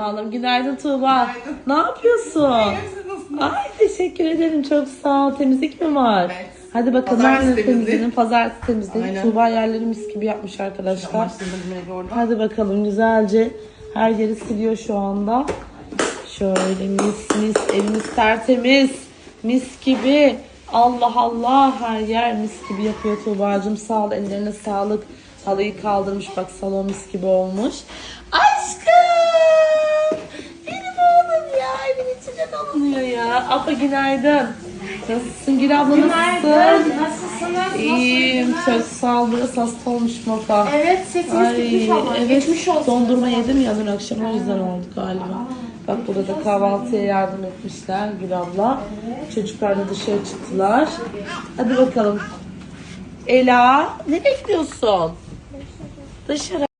Hanım. Günaydın Tuğba. Ne yapıyorsun? Ay teşekkür ederim. Çok sağ ol. Temizlik mi var? Evet. Hadi bakalım. Pazartesi Nerede temizliği. temizleyelim? Pazartesi temizleyelim. Aynen. Tuğba yerleri mis gibi yapmış arkadaşlar. Başladım orada. Hadi bakalım güzelce her yeri siliyor şu anda. Şöyle mis mis evimiz tertemiz. Mis gibi. Allah Allah her yer mis gibi yapıyor Tuğba'cığım. Sağ ol ellerine sağlık. Halıyı kaldırmış bak salon mis gibi olmuş. Aşkım. Benim oğlum ya evin içine dolanıyor ya. Apa günaydın. Nasılsın Gül abla nasılsın? Nasılsınız? İyiyim çok sağ ol. Biraz hasta olmuşum Apa. Evet, sesiniz gitmiş ama. Evet, Geçmiş olsun. dondurma yedim ya dün akşam o yüzden oldu galiba. Bak burada da kahvaltıya yardım etmişler Gül abla. Çocuklar da dışarı çıktılar. Hadi bakalım. Ela ne bekliyorsun? Dışarı.